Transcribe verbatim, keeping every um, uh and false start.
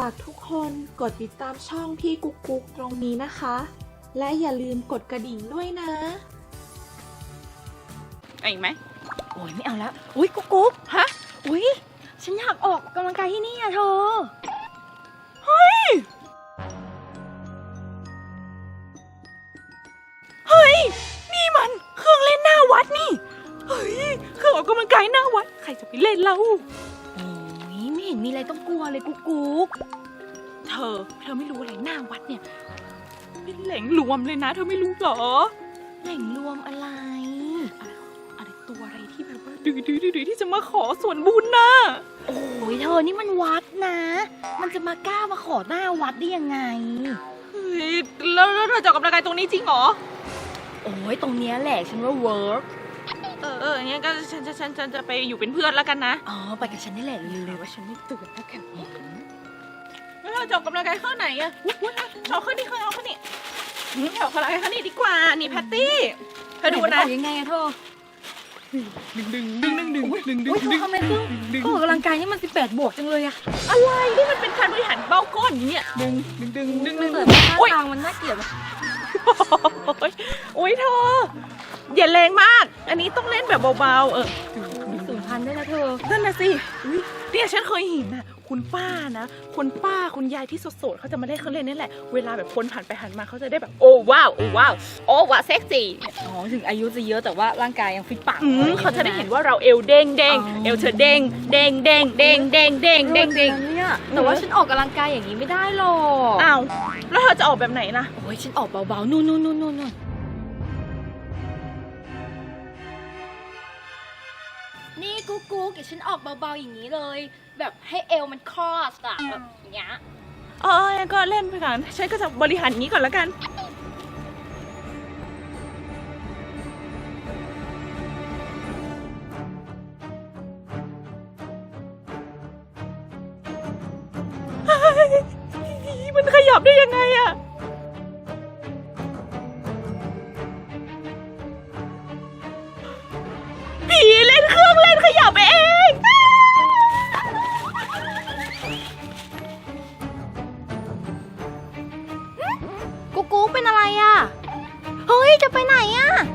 ากทุกคนกดติดตามช่องพี่กุ๊กกุ๊กตรงนี้นะคะ และอย่าลืมกดกระดิ่งด้วยนะเอาอีกไหมโอ้ยไม่เอาแล้วอุ้ยกุ๊กกุ๊กฮะอุ้ยฉันอยากออกกำลังกายที่นี่อะเธอเฮ้ยเฮ้ยนี่มันเครื่องเล่นหน้าวัดนี่เฮ้ยเครื่องออกกำลังกายหน้าวัดใครจะไปเล่นเล่าโอ้ยไม่เห็นมีอะไรต้องกลัวเลยกุ๊กกุ๊กเธอเธอไม่รู้อะไรหน้าวัดเนี่ยเป็นแหล่งรวมเลยนะเธอไม่รู้หรอแหล่งรวมอะไรอะไรตัวอะไรที่แบบว่าดื้อดื้อดื้อที่จะมาขอส่วนบุญน่ะโอ้ยเธอนี่มันวัดนะมันจะมากล้ามาขอหน้าวัดได้ยังไงเฮ้ยแล้วเธอจะออกกำลังกายตรงนี้จริงเหรอโอ้ยตรงเนี้ยแหละฉันว่าเวิร์กเออเอองั้นก็ฉันฉันฉันฉันจะไปอยู่เป็นเพื่อนแล้วกันนะอ๋อไปกับฉันนี่แหละเลยว่าฉันไม่ตื่นแล้วกันแล้วเราจะออกกำลังกายข้อไหนอะเอาข้อนี้ข้อเอาข้อนี้เอาข้อไหนข้อนี้ดีกว่านี่แพตตี้เธอดูนะยังไงอะเธอดึงดึงดึงดึงดึงดึงดึงดึงทำไมตึ้งก็ออกกำลังกายนี่มันสิบแปดบวกจังเลยอะอะไรนี่มันเป็นการบริหารเบ้าก้อนอย่างเงี้ยดึงดึงดึงดึงดึงเกิดมาท่าทางมันน่าเกลียดโอ้ยเธออย่าแรงมากอันนี้ต้องเล่นแบบเบาๆเออสูงพันได้นะเธอนั่นน่ะสิเนี่ยฉันเคยเห็นนะคุณป้านะคนป้าคุณยายที่โสดๆเขาจะมาเล่นเครื่องเล่นนี่แหละเวลาแบบคนผ่านไปผ่านมาเขาจะได้แบบโอ้ว้าวโอ้ว้าวโอ้ว้าวเซ็กซี่อ๋อถึงอายุจะเยอะแต่ว่าร่างกายยังฟิตปังเขาจะได้เห็นว่าเราเอวเด้งเด้งเอวเธอเด้งเด้งเด้งเด้งเด้งเด้งเด้งเด้งเนี่ยแต่ว่าฉันออกกำลังกายอย่างนี้ไม่ได้หรอกอ้าวแล้วเธอจะออกแบบไหนล่ะโอ้ยฉันออกเบาๆนู่นนู่นนู่นนู่นนี่กุ๊กกุ๊กเดี๋ยวฉันออกเบาๆอย่างนี้เลยแบบให้เอวมันคอสอะแบบอย่างเงี้ยเออก็เล่นไปก่อนฉันก็จะบริหารอย่างนี้ก่อนแล้วกันมันขยับได้ยังไงอะผีเล่นเครื่องเล่นขยับเองกุ๊กกุ๊กเป็นอะไรอ่ะเฮ้ยจะไปไหนอ่ะ